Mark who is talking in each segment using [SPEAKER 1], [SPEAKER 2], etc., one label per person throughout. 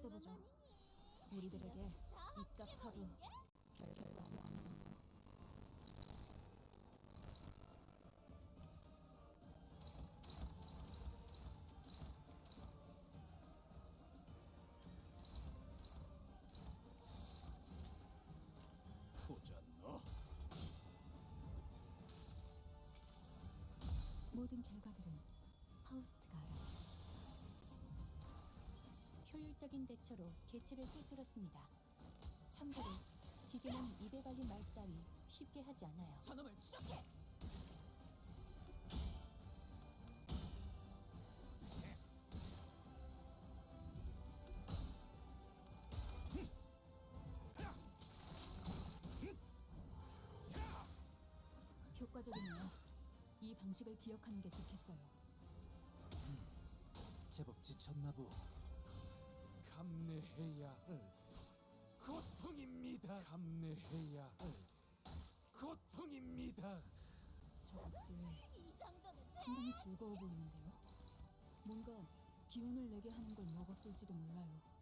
[SPEAKER 1] 지켜보죠. 우리들에게 입각하고 별거 아니잖아.
[SPEAKER 2] 보자 너.
[SPEAKER 1] 모든 결과들은 파우스트가 알아. 효율적인 대처로 계치를 꿰뚫었습니다. 참고로 기계는 입에 발린 말 따위 쉽게 하지 않아요.
[SPEAKER 3] 저놈을 추적해!
[SPEAKER 1] 효과적이네요. 이 방식을 기억하는 게 좋겠어요.
[SPEAKER 2] 제법 지쳤나보. 감내해야 할 고통입니다. 감내해야 할 고통입니다.
[SPEAKER 1] 저것들
[SPEAKER 4] 이 정도는
[SPEAKER 1] 상당히 즐거워 보이는데요. 뭔가 기운을 내게 하는 걸 먹었을지도 몰라요.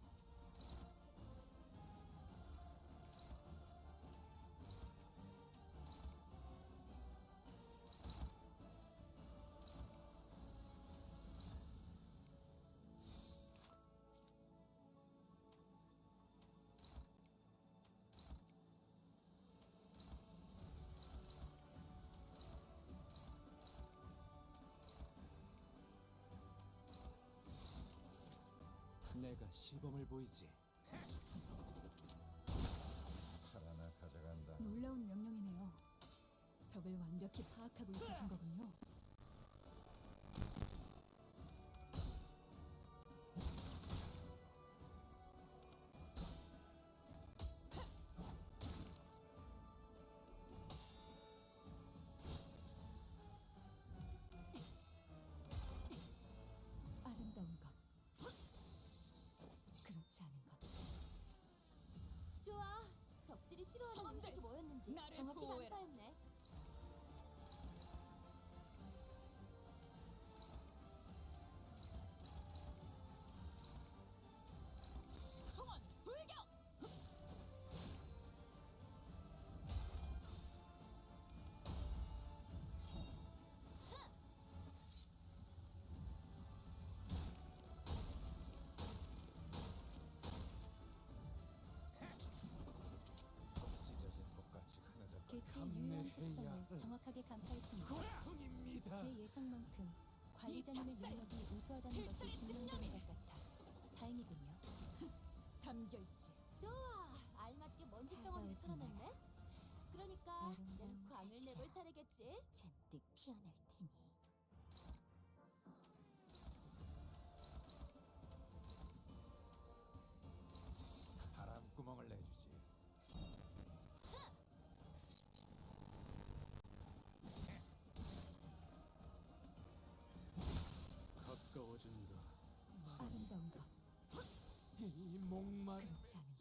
[SPEAKER 2] 내가 시범을 보이지.
[SPEAKER 5] 칼 하나 가져간다.
[SPEAKER 1] 놀라운 명령이네요. 적을 완벽히 파악하고 있으신 거군요. 아름다운 것, 그렇지 않은 것.
[SPEAKER 4] 좋아. 적들이 싫어하는
[SPEAKER 3] 선원들,
[SPEAKER 4] 음식이 뭐였는지
[SPEAKER 3] 나를
[SPEAKER 4] 정확히
[SPEAKER 3] 보호해라.
[SPEAKER 4] 간파했네.
[SPEAKER 3] 총원 불격!
[SPEAKER 5] 찢어진 것같이 흐느적.
[SPEAKER 1] 개체의 유효한
[SPEAKER 2] 감내해야
[SPEAKER 1] 속성을
[SPEAKER 2] 할
[SPEAKER 1] 정확하게 간파했습니다.
[SPEAKER 2] 고통입니다.
[SPEAKER 1] 제 예상만큼 관리자님의
[SPEAKER 3] 이 작살!
[SPEAKER 1] 능력이 우수하다는 것이
[SPEAKER 3] 필살이
[SPEAKER 1] 증명되는 것 같아 다행이군요.
[SPEAKER 3] 담겨있지.
[SPEAKER 4] 좋아. 알맞게 먼지 덩어리를
[SPEAKER 1] 다가오지 마라.
[SPEAKER 4] 털어냈네. 그러니까 이젠
[SPEAKER 1] 아름다운
[SPEAKER 4] 광을
[SPEAKER 1] 가시야.
[SPEAKER 4] 내볼 차례겠지.
[SPEAKER 1] 잔뜩 피어날 테니.
[SPEAKER 5] 바람구멍을 내주지.
[SPEAKER 2] 가까워진다.
[SPEAKER 1] 아름다운 것,
[SPEAKER 2] 이 목마른
[SPEAKER 1] 그렇지 않은